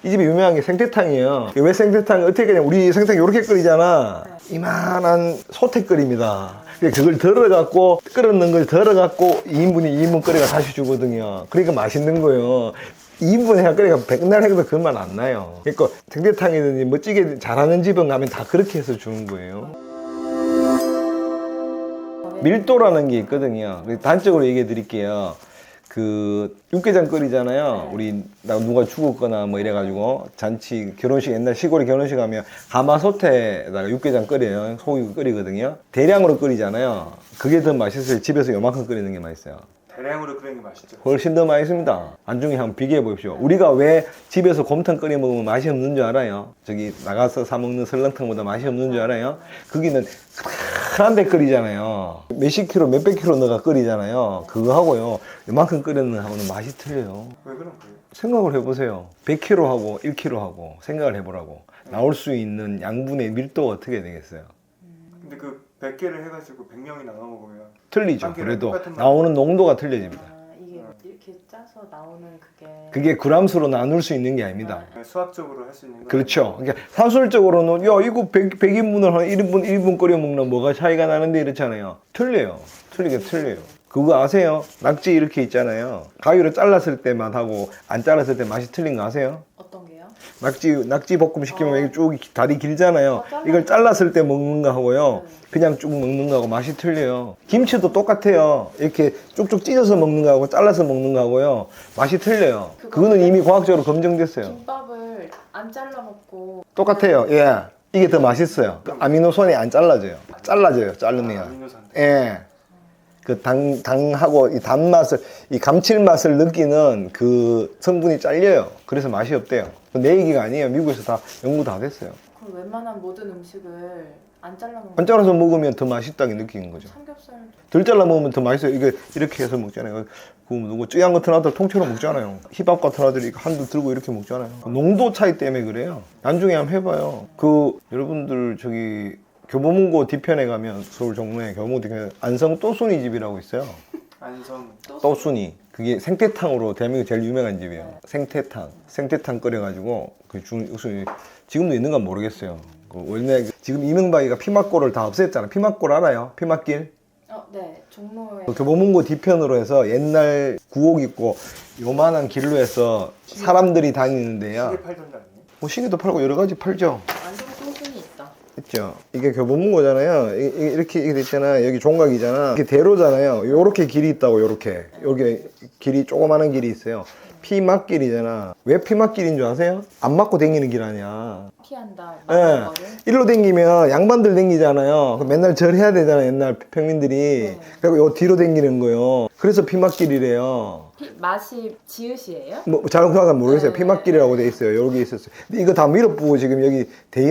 이 집이 유명한 게 생태탕이에요. 왜 생태탕? 어떻게 그냥 우리 생태탕 이렇게 끓이잖아. 이만한 소태 끓입니다. 그걸 덜어갖고 끓었는 걸 덜어갖고 2인분이 2인분 끓여가 다시 주거든요. 그러니까 맛있는 거예요. 2인분 해가 끓여가 백날 해도 그 맛 안 나요. 그러니까 생태탕이든지 멋지게 잘하는 집은 가면 다 그렇게 해서 주는 거예요. 밀도라는 게 있거든요. 단적으로 얘기해 드릴게요. 그 육개장 끓이잖아요. 우리 누가 죽었거나 뭐 이래가지고 잔치 결혼식 옛날 시골에 결혼식 하면 가마솥에다가 육개장 끓여요. 소고기 끓이거든요. 대량으로 끓이잖아요. 그게 더 맛있어요. 집에서 요만큼 끓이는 게 맛있어요. 대량으로 끓이는 게 맛있죠. 훨씬 더 맛있습니다. 안중에 한번 비교해 보십시오. 우리가 왜 집에서 곰탕 끓여 먹으면 맛이 없는 줄 알아요? 저기 나가서 사 먹는 설렁탕보다 맛이 없는 줄 알아요? 거기는 큰데 끓이잖아요. 몇십 킬로, 몇백 킬로 넣어가 끓이잖아요. 그거 하고요. 이만큼 끓이는 하고는 맛이 틀려요. 왜 그런 거예요? 생각을 해보세요. 100kg 하고 1kg 하고 생각을 해보라고. 나올 수 있는 양분의 밀도가 어떻게 되겠어요? 근데 그 100개를 해가지고 100명이 나눠 먹으면 틀리죠. 한 개를 그래도 똑같은 맛. 나오는 농도가 틀려집니다. 이게 이렇게 짜서 나오는 그게 그게 그람수로 나눌 수 있는 게 아닙니다. 수학적으로 할 수 있는 거. 그렇죠. 그러니까 사술적으로는 야 이거 100인분을 한 1인분 끓여 먹나 뭐가 차이가 나는데 이렇잖아요. 틀려요. 틀리게 틀려요. 그거 아세요? 낙지 이렇게 있잖아요. 가위로 잘랐을 때만 하고 안 잘랐을 때 맛이 틀린 거 아세요? 어떤 게요? 낙지 볶음 시키면 이게 쭉 다리 길잖아요. 이걸 잘랐을 때 먹는 거 하고요. 그냥 쭉 먹는 거하고 맛이 틀려요. 김치도 똑같아요. 이렇게 쭉쭉 찢어서 먹는 거하고 잘라서 먹는 거하고요. 맛이 틀려요. 그거는 이미 과학적으로 검증됐어요. 김밥을 안 잘라 먹고 똑같아요. 예. 이게 더 맛있어요. 아미노산이 안 잘라져요. 잘라져요. 자르면. 아미노산. 예. 그 당하고 이 단맛을, 이 감칠맛을 느끼는 그 성분이 잘려요. 그래서 맛이 없대요. 내 얘기가 아니에요. 미국에서 다 연구 다 됐어요. 그럼 웬만한 모든 음식을 안 잘라 먹고 안 잘라서 먹으면 더 맛있다고 느끼는 거죠. 삼겹살 덜 잘라 먹으면 더 맛있어요. 이게 이렇게 해서 먹잖아요. 그 누구 쯔양 같은 아들 통째로 먹잖아요. 힙합 같은 아들이 한두 들고 이렇게 먹잖아요. 농도 차이 때문에 그래요. 나중에 한번 해봐요. 그 여러분들 저기 교보문고 뒤편에 가면 서울 종로에 교보문고 뒤편에 안성 또순이 집이라고 있어요. 안성. 또순이. 그게 생태탕으로 대한민국 제일 유명한 집이에요. 생태탕 끓여가지고 그 지금도 있는가 모르겠어요. 그 원래 지금 이명박이가 피막골을 다 없앴잖아. 피막골 알아요? 피막길? 네. 종로에 교보문고 뒤편으로 해서 옛날 구옥 있고 요만한 길로 해서 사람들이 다니는데요. 시계 팔던 데 아니에요? 뭐 시계도 팔고 여러 가지 팔죠. 안성 소순이 있다. 있죠. 이게 교보문고잖아요. 이렇게 돼 있잖아. 여기 종각이잖아. 이게 대로잖아요. 요렇게 길이 있다고, 요렇게. 여기 길이, 조그마한 길이 있어요. 피막길이잖아. 왜 피막길인 줄 아세요? 안 맞고 다니는 길 아니야. 피한다. 예. 많은 거를. 일로 댕기면 양반들 댕기잖아요. 그럼 맨날 절해야 되잖아, 옛날 평민들이. 그리고 요 뒤로 댕기는 거요. 그래서 피막길이래요. 맛이 지읒이에요? 뭐, 정확하게 모르겠어요. 네. 피막길이라고 돼 있어요. 여기 있었어요. 근데 이거 다 밀어부고 지금 여기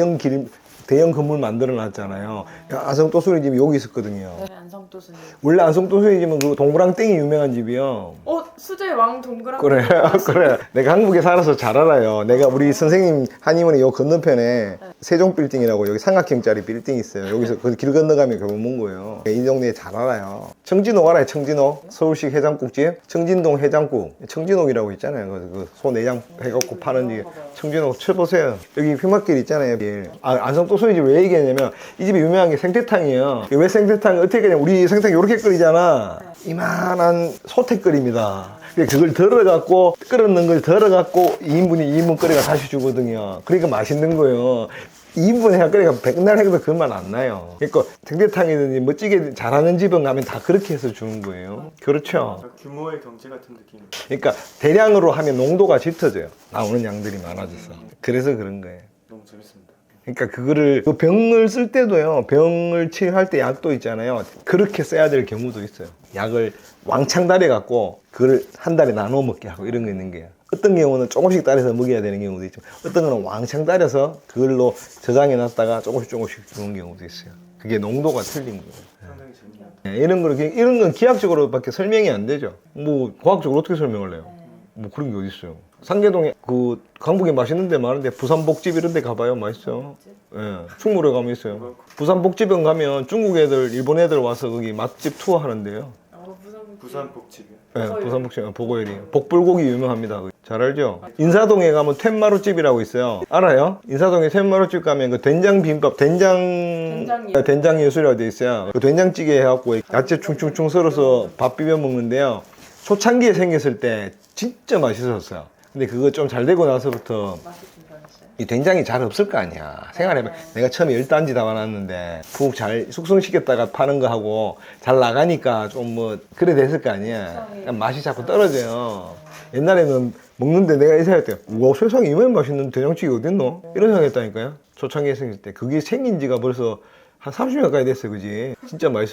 대형 건물 만들어 놨잖아요. 안성 또순이 집이 여기 있었거든요. 네. 안성 또순이. 원래 안성 또순이 집은 그 동그랑땡이 유명한 집이요. 수제 왕 동그란. 그래, 그래. 내가 한국에 살아서 잘 알아요. 내가 우리 선생님 한의원의 요 건너편에 세종 빌딩이라고 여기 삼각형짜리 빌딩 있어요. 여기서 그 길 건너가면 교보문고예요. 이 동네 잘 알아요. 청진옥 알아요? 청진옥? 서울식 해장국집? 청진동 해장국. 청진옥이라고 있잖아요. 그 소내장 해갖고 파는 집. 청진옥 쳐보세요. 여기 피막길 있잖아요. 안성 또순이 집 왜 얘기했냐면 이 집이 유명한 게 생태탕이에요. 왜 생태탕? 어떻게 그냥 우리 생태탕 이렇게 끓이잖아. 이만한 소태 끓입니다. 그걸 덜어갖고 끓었는 걸 덜어갖고 2인분이 2인분 끓여가 다시 주거든요. 그러니까 맛있는 거예요. 2인분 해가 끓여가 백날 해도 그 맛 안 나요. 그러니까 생태탕이든지 멋지게 잘하는 집은 가면 다 그렇게 해서 주는 거예요. 그렇죠. 규모의 경제 같은 느낌. 그러니까 대량으로 하면 농도가 짙어져요. 나오는 양들이 많아져서. 그래서 그런 거예요. 너무 재밌습니다. 그러니까 그거를 그 병을 쓸 때도요. 병을 치료할 때 약도 있잖아요. 그렇게 써야 될 경우도 있어요. 약을 왕창 달여 갖고 그걸 한 달에 나눠 먹게 하고 이런 거 있는 거예요. 어떤 경우는 조금씩 따려서 먹여야 되는 경우도 있죠. 어떤 거는 왕창 따려서 그걸로 저장해 놨다가 조금씩 주는 경우도 있어요. 그게 농도가 틀린 거예요. 상당히 재밌네요. 이런 건 기하학적으로밖에 설명이 안 되죠. 뭐 과학적으로 어떻게 설명을 해요? 뭐 그런 게 어디 있어요? 상계동에 그 강북에 맛있는 데 많은데 부산복집 이런 데 가봐요. 맛있어요. 예, 충무로에 가면 있어요. 부산복집은 가면 중국 애들, 일본 애들 와서 거기 맛집 투어 하는데요. 부산 복집이요. 네, 부산 복층 보고요리. 복불고기 유명합니다. 잘 알죠? 인사동에 가면 텐마루집이라고 있어요. 알아요? 인사동에 텐마루집 가면 그 된장 비빔밥, 된장 예술이라고 돼 있어요. 그 된장찌개 해갖고 야채 충충충 썰어서 밥 비벼 먹는데요. 초창기에 생겼을 때 진짜 맛있었어요. 근데 그거 좀 잘 되고 나서부터 맛이 좀 변했어요. 이 된장이 잘 없을 거 아니야. 생활해봐. 내가 처음에 10단지 담아놨는데 푹 잘 숙성시켰다가 파는 거 하고 잘 나가니까 좀 뭐 그래 됐을 거 아니야. 그냥 맛이 자꾸 떨어져요. 옛날에는 먹는데 내가 이 생각했대요. 와, 세상에 이만 맛있는 된장찌개 어딨노? 이런 생각했다니까요. 초창기에 생길 때. 그게 생긴 지가 벌써 한 30년 가까이 됐어요. 그지? 진짜 맛있어.